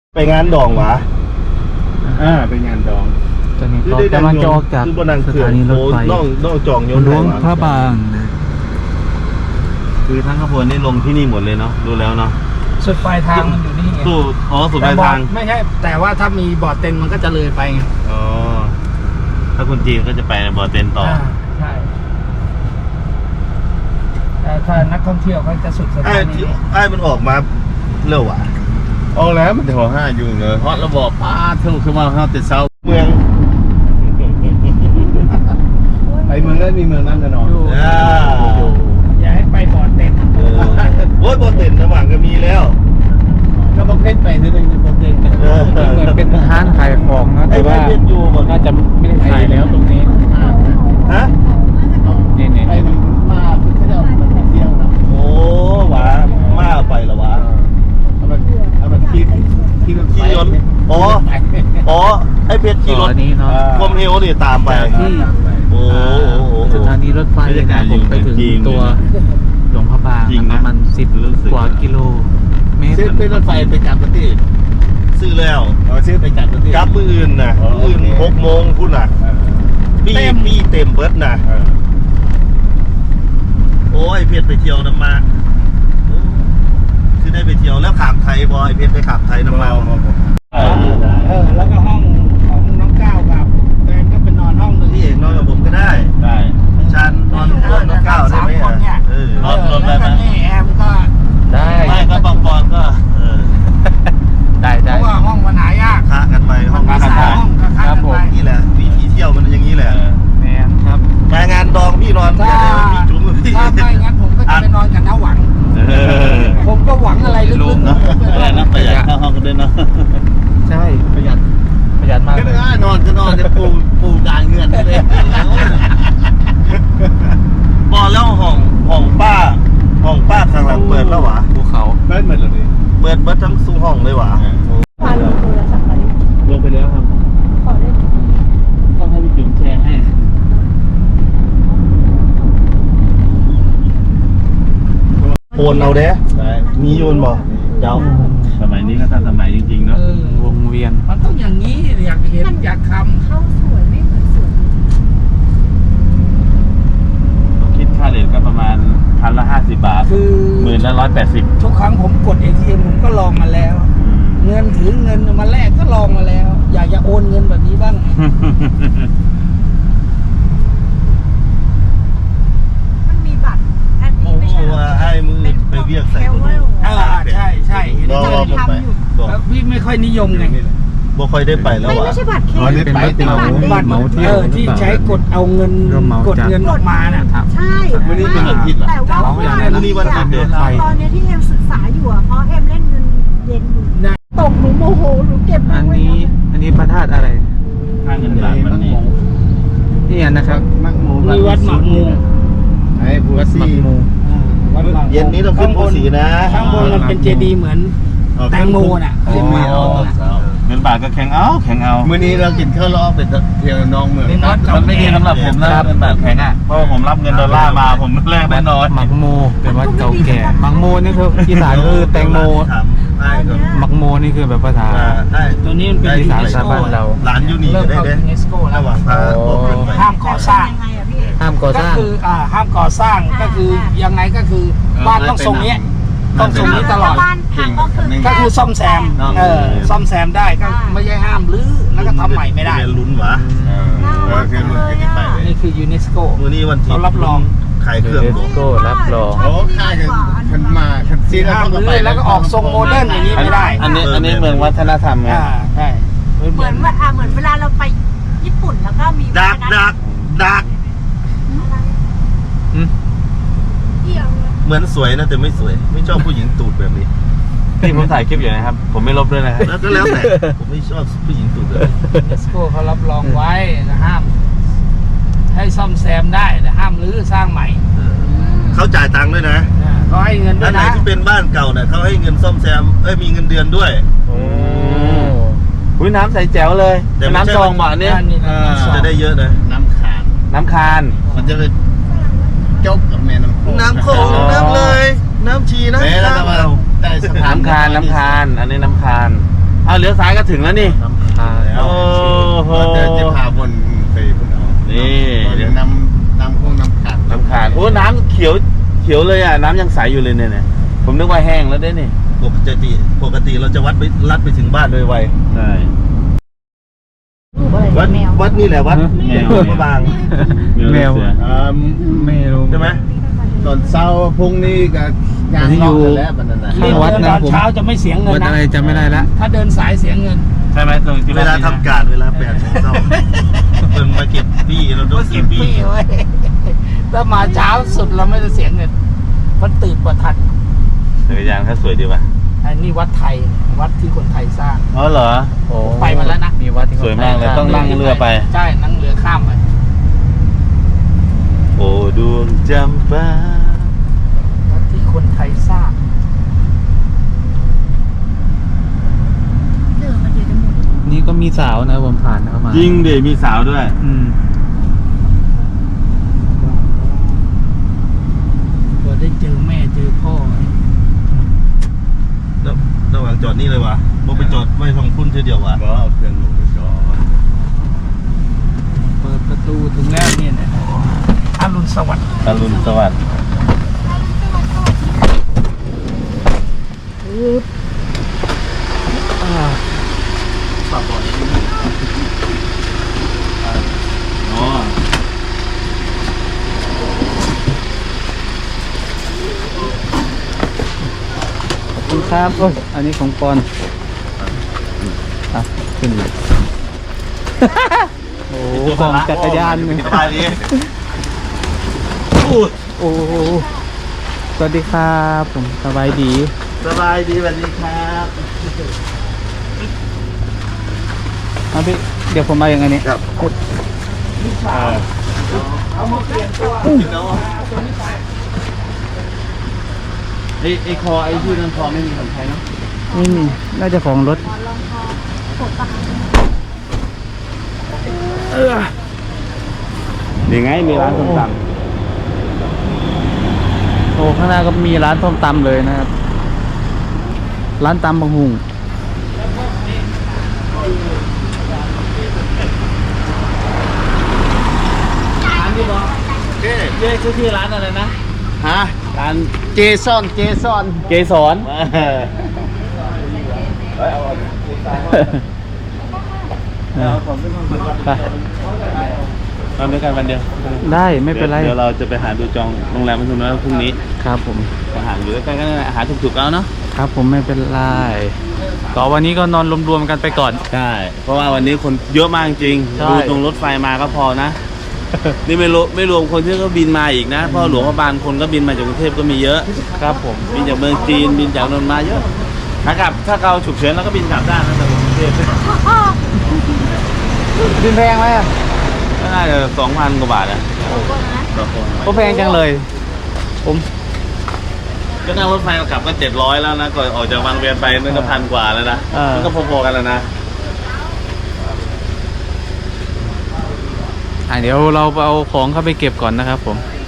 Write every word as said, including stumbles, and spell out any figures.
ไปงานดองวะอ่าไปงานดองตอนนี้ก็กำลังจะออกจากสถานีรถไฟน้องน้องจองยนต์หลวงพระบางนะคือทั้งขบวนนี่ลงที่นี่หมดเลยเนาะดูแล้วเนาะสุดปลายทางมันอยู่นี่ไงสู้อ๋อสุดปลายทางไม่ใช่แต่ว่าถ้ามีบอร์ดเต็นมันก็จะเลยไปไงอ๋อถ้าคนจีนก็จะไปบอร์เต็นต่อใช่แต่ถ้านักท่องเที่ยวเขาจะสุดสถานีไอ้มันออกมาเร็วอ่ะออกแล้วมันจะหัวห้าอยู่เลยเพราะระบบป้าเท่าขึ้นมาเข้าแต่เช้าเมืองไปเมืองนั้นมีเมืองนั้นแน่นอนอย่าให้ไปบอร์ดเต็นโอ้ยบอร์เต็นระหว่างก็มีแล้วก็บอกเพชรไปนิดนึงบอกเพชรเหมือนเป็นร้านขายของนะแต่ว่าน่าจะไม่ได้ขายแล้วตรงนี้ฮะนี่นี่ไปมาคือเขาจะเอาไปเที่ยวนะโอ้หวามาไปละวะเอาไปเอาไปขี่ขี่รถขี่รถอ๋ออ๋อไอ้เพชรขี่รถนี้เนาะคมเฮลนี่ตามไปที่โอ้สถานีรถไฟนะผมไปถึงตัวหลวงพระบางประมาณสิบกว่ากิโลเมตรซื้อเป็นรถไฟไปจับประเทศซื้อแล้วอ๋อซื้อไปจับประเทศกลับมืออื่นน่ะมืออื่นหกโมงพุ่นน่ะปีปีเต็มเบิดน่ะโอ้ยเพชรไปเที่ยวน้ำมาคือได้ไปเที่ยวแล้วขามไทยบอยเพชรไปขามไทยน้ำมาเออแล้วก็ห้องของน้องก้าวกับแฟนก็เป็นนอนห้องนึงพี่เอกนอนกับผมก็ได้ได้ชันนอนห้องน้องก้าวได้ไหมอ่ะเออแล้วก็นี่แอมก็ได้ไม่ก็บางปอนก็เออได้ได้เพราะว่าห้องมันหายากค้ากันไปห้องค้ากันไปครับผมนี่แหละวิธีเที่ยวมันอย่างนี้แหละแมนครับมางานดองพี่นอนถ้าถ้าไม่งั้นผมก็จะไปนอนกับน้าหวังผมก็หวังอะไรลึกๆนะอะไรนะประหยัดค่าห้องกันด้วยเนาะใช่ประหยัดประหยัดมากก็ได้นอนจะนอนจะปูปูกลางเงื่อนเลยบอกแล้วห้องห้องป้าห้องป้าข้างหลังเปิดแล้ววะภูเขาเปิดหมดเลยเปิดเปิดทั้งซุ้มห้องเลยวะพาลงโทรศัพท์ไปลงไปแล้วครับขอได้ไหมต้องให้พี่จุ๋มแชร์ให้โอนเอาเด้มีโยนบ่เจ้าสมัยนี้ก็ทันสมัยจริงๆเนาะวงเวียนมันต้องอย่างนี้อยากเห็นอยากทำเข้าสวยไม่เหมือนสวยคิดค่าเหรียญก็ประมาณพันละห้าสิบบาทคือหมื่นละร้อยแปดสิบทุกครั้งผมกด เอ ที เอ็ม ผมก็ลองมาแล้วเงินถือเงินมาแลกก็ลองมาแล้วอยากจะโอนเงินแบบนี้บ้างมันมีบัตรอันนี้ไม่ใช่ให้มือไปเวียกใส่อ่าใช่ใช่รอรอผมไปพี่ไม่ค่อยนิยมไงบ่ค่อยได้ไปแล้วอ่ะไม่ใช่บัตรเครดิตเป็นบัตรเหมาเที่ยวที่ใช้กดเอาเงินกดเงินออกมาน่ะใช่วันนี้เป็นวันอาทิตย์แต่ว่าวันนี้วันอาทิตย์เดินไฟตอนนี้ที่เอ็มศึกษาอยู่อ่ะเพราะเอ็มเล่นเงินเย็นอยู่ตกหนูโมโหหนูเก็บอันนี้อันนี้พระธาตุอะไรค่าเงินบาทมันนี่นี่นะครับมักโมมีวัดหมักมูไอ้บัวซีเย็นนี้ต้องขึ้นภูสีนะข้างบนมันเป็นเจดีย์เหมือนแตงโมน่ะเรียกว่าเงินบาทก็แข็งเอาแข็งเอามื้อนี้เรากินข้าวล้อเป็นเที่ยวน้องเมืองมันไม่ดีสำหรับผมนะเงินบาทแข็งอ่ะเพราะผมรับเงินดอลลาร์มาผมแรกแน่นอนหมักโมเป็นวัดเก่าแก่หมักโมนี่คืออีสานคือแตงโมหมักโมนี่คือแบบภาษาตัวนี้มันเป็นอีสานชาวบ้านเราร้านยูนีก็ได้เด้ระหว่างพาห้ามก่อสร้างห้ามก่อสร้างก็คืออ่าห้ามก่อสร้างก็คือยังไงก็คือบ้านต้องทรงนี้ต้องทรงนี้ตลอดก็คือซ่อมแซมเออซ่อมแซมได้ก็ไม่ใช่ห้ามรื้อแล้วก็ทำใหม่ไม่ได้ลุ้นวะนี่คือยูเนสโกมือนี้วันที่เขารับรองขายเครื่องยูเนสโกรับรองโอ้ค่ายกันคันมาคันซีนห้ามรื้อแล้วก็ออกทรงโมเดิร์นอย่างนี้ไม่ได้อันนี้อันนี้เมืองวัฒนธรรมไงใช่เหมือนว่าเหมือนเวลาเราไปญี่ปุ่นแล้วก็มีดักดักดักเหมือนสวยนะแต่ไม่สวยไม่ชอบผู้หญิงตูดแบบนี้นี่ผมถ่ายคลิปอยู่นะครับผมไม่ลบด้วยนะครับแล้วก็แล้วแต่ผมไม่ชอบผู้หญิงตูดเลยยูเนสโกเขารับรองไว้นะห้ามให้ซ่อมแซมได้แต่ห้ามรื้อสร้างใหม่เขาจ่ายตังค์ด้วยนะเขาให้เงินด้วยนะอันไหนที่เป็นบ้านเก่าเนี่ยเขาให้เงินซ่อมแซมเอ้ยมีเงินเดือนด้วยโอ้ยน้ำใสแจ๋วเลยแต่น้ำซองหวานเนี่ยจะได้เยอะนะน้ำคานน้ำคานมันจะเลยจบกับแม่น้ำโขงน้ำโขงน้ำเลยน้ำชีน้ำข้าวน้ำคานน้ำคานอันนี้น้ำคานเอาเลี้ยวซ้ายก็ถึงแล้วนี่น้ำคาโอ้โหเดี๋ยวจะพาบนไปพุ่นเอานี่เดี๋ยวน้ำน้ำคงน้ำขาดน้ำขาดโอ้น้ำเขียวเขียวเลยอ่ะน้ำยังใสอยู่เลยเนี่ยเนี่ยผมนึกว่าแห้งแล้วได้นี่ปกติปกติเราจะวัดไปลัดไปถึงบ้านโดยไวใช่รูปอะไรวัดแมววัดนี่แหละวัดแมวพระบางแมวอ่าไม่รู้ใช่ไหมตอนเช้าพรุ่งนี้ก็งานรอบกันแล้วบัดนั้นน่ะข้างวัดนะตอนผมเช้าจะไม่เสียเงินวัดนะอะไรจำไม่ได้ละถ้าเดินสายเสียเงินใช่ไหมตรงที่เวลาทำการเวลาแปดโมงเช้าเพิ่งมาเก็บพี่เราโดนเก็เก็บบพี่พี่ไว้ถ้ามาเช้าสุดเราไม่ได้เสียเงิน มันตื่นกว่าทันจักรยานเขาสวยดีป่ะอันนี้วัดไทย วัดที่คนไทยสร้างอ๋อเหรอโอ้ไปมาแล้วนะมีวัดที่สวยมากเลยต้องนั่งเรือไปใช่นั่งเรือข้ามไปโอ้ดวงจำปาวัดที่คนไทยสร้างเดินมาเดี๋ยวจะหมดนี่ก็มีสาวนะผมผ่านเข้ามายิงเดี๋ยวมีสาวด้วยอืมพอได้เจอแม่เจอพ่อแล้วระหว่างจอดนี่เลยวะบ่ไปจอดไว้ทางคุณเทีเดียววะก็เอาเครื่องลงไปก่อนเปิดประตูถึงแล้วเนี่ยนะอรุณสวัสดิ์อรุณสวัสดิ์ อ๋อขอบคุณครับโอ้ยอันนี้ของปอนอ่ะขึ้นเลย โอ้โหของจักรยานหนึ่งสบายดีโอ้โหสวัสดีครับผมสบายดีสบายดีสวัสดีครับเอาพี่เดี๋ยวผมมาอย่างไงนี้ครับเอามาเปลี่ยนตัวไอไอคอไอชื่อนั้นคอไม่มีคนไทยเนาะนี่นี่น่าจะของรถยังไงมีร้านส้มตโอ้ข้างหน้าก็มีร้านส้มตำเลยนะครับ ร้านตำบางหุงร้านที่บอกเย้เย้ชื่อที่ร้านอะไรนะฮะร้านเจซอนเจซอนเกสรไปมาด้วยกันวันเดียวได้ไม่เป็นไรเดี๋ยวเราจะไปหาดูจองโรงแรมมันทุนแล้วพรุ่งนี้ครับผมอาหารอยู่ใกล้ๆกันนั่นแหละอาหารถูกๆแล้วเนาะครับผมไม่เป็นไรก็วันนี้ก็นอนรวมๆกันไปก่อนใช่เพราะว่าวันนี้คนเยอะมากจริงใช่ดูตรงรถไฟมาก็พอนะ นี่ไม่รวมไม่รวมคนที่ก็บินมาอีกนะเพราะหลวงพระบางคนก็บินมาจากกรุงเทพก็มีเยอะครับผมบินจากเมืองจีนบินจากนนท์มาเยอะขากลับถ้าเราฉุกเฉินเราก็บินกลับได้นะจากกรุงเทพบินแพงไหมอ่ะก็น่าจะสองพันกว่าบาทนะต่อคนก็แพงจังเลย ผมก็นั่งรถไฟกลับก็เจ็ดร้อยแล้วนะก่อนออกจากบางเวียนไปนั่นก็พันกว่าแล้วนะมันก็พอๆกันแล้วนะอ่ะเดี๋ยวเราเอาของเข้าไปเก็บก่อนนะครับผม